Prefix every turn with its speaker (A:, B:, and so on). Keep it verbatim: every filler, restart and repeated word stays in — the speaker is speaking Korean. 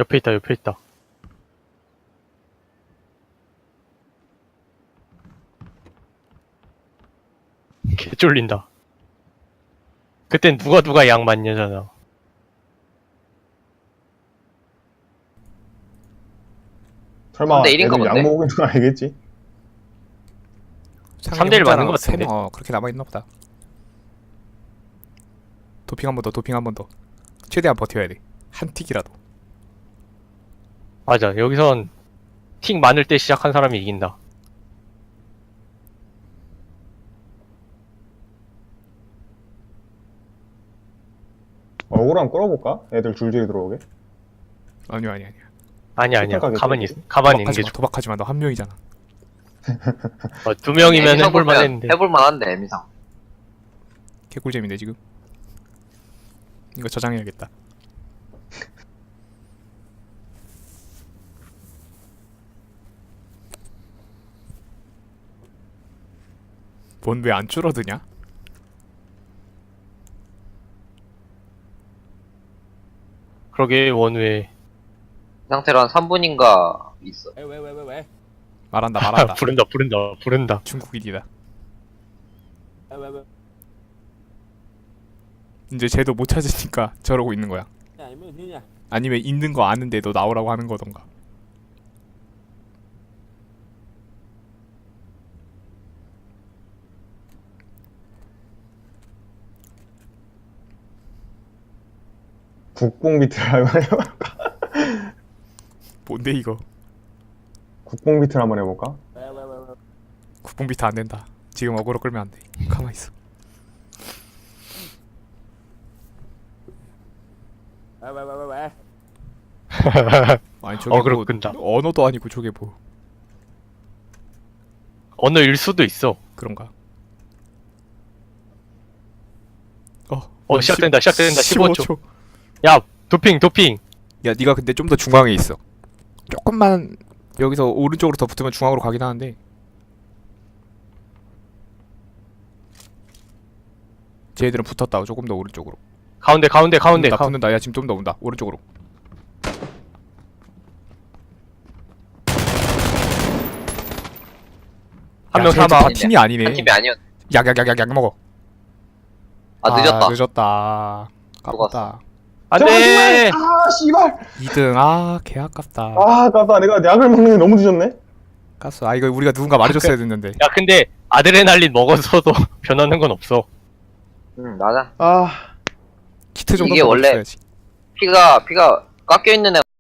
A: 옆에 있다, 옆에 있다. 개 쫄린다. 그땐 누가 누가 양 맞냐잖아.
B: 설마
C: 삼 대 일인가
B: 애들 약
C: 본데?
B: 먹고 있는 거 아니겠지?
A: 삼 대 일 맞는 것 같은데?
D: 어 그렇게 남아있나 보다. 도핑 한 번 더, 도핑 한 번 더. 최대한 버텨야 돼. 한 틱이라도.
A: 맞아, 여기선 틱 많을 때 시작한 사람이 이긴다.
B: 얼굴 한번 끌어볼까? 애들 줄줄이 들어오게.
D: 아니야 아니야 아니야.
A: 아니 아니야.
B: 착각하겠지.
A: 가만히 있, 가만히 있는
D: 도박하지
A: 게
D: 마,
A: 좋아.
D: 도박하지 마. 너 한 명이잖아.
A: 어, 두 명이면
C: 애미상
A: 해볼만
C: 보면
A: 했는데.
C: 해볼만한데 애미상.
D: 개꿀잼인데 지금. 이거 저장해야겠다. 뭔 왜 안 줄어드냐?
A: 그러게, 원우에.
C: 이 상태로 한 삼 분인가 있어.
E: 왜 왜 왜 왜 왜?
D: 말한다 말한다.
A: 부른다, 부른다, 부른다.
D: 중국인이다.
E: 왜 왜 왜?
D: 이제 쟤도 못 찾으니까 저러고 있는 거야.
E: 야 이면 니냐?
D: 아니면 있는 거 아는데 너 나오라고 하는 거던가.
B: 국뽕 비트를 한번 해볼까?
D: 뭔데 이거?
B: 국뽕 비트를 한번 해볼까?
E: 왜 왜 왜 왜?
D: 국뽕 비트 안 된다. 지금 어그로 끌면 안 돼. 가만 있어.
E: 왜 왜 왜 왜 왜?
D: 아니 저게
A: 어그로
D: 뭐
A: 끈다.
D: 언어도 아니고 저게 뭐
A: 언어일 수도 있어.
D: 그런가? 어,
A: 어, 시작된다, 시작된다. 십오 초.
D: 초.
A: 야, 도핑, 도핑.
D: 야, 네가 근데 좀 더 중앙에 있어. 조금만 여기서 오른쪽으로 더 붙으면 중앙으로 가긴 하는데. 쟤들은 붙었다. 조금 더 오른쪽으로.
A: 가운데, 가운데, 가운데.
D: 나
A: 가...
D: 붙는다. 야, 지금 좀 더 온다. 오른쪽으로.
A: 한
D: 야,
A: 명
D: 쟤들
A: 사망.
D: 다 팀이 아니네.
C: 한 팀이 아니었.
D: 약약약약 약 먹어.
C: 아 늦었다.
D: 늦었다. 깝다.
A: 안
B: 제발,
A: 돼!
B: 제발! 아 씨발!
D: 이 등. 아, 개 아깝다.
B: 아 아깝다. 내가 약을 먹는 게 너무 늦었네?
D: 깠어. 아, 이거 우리가 누군가 말해줬어야 됐는데.
A: 야, 근데 아드레날린 먹어서도 변하는 건 없어.
C: 응 맞아.
B: 아
D: 키트 정도
C: 이게 원래-
D: 먹었어야지.
C: 피가 피가 깎여 있는 애.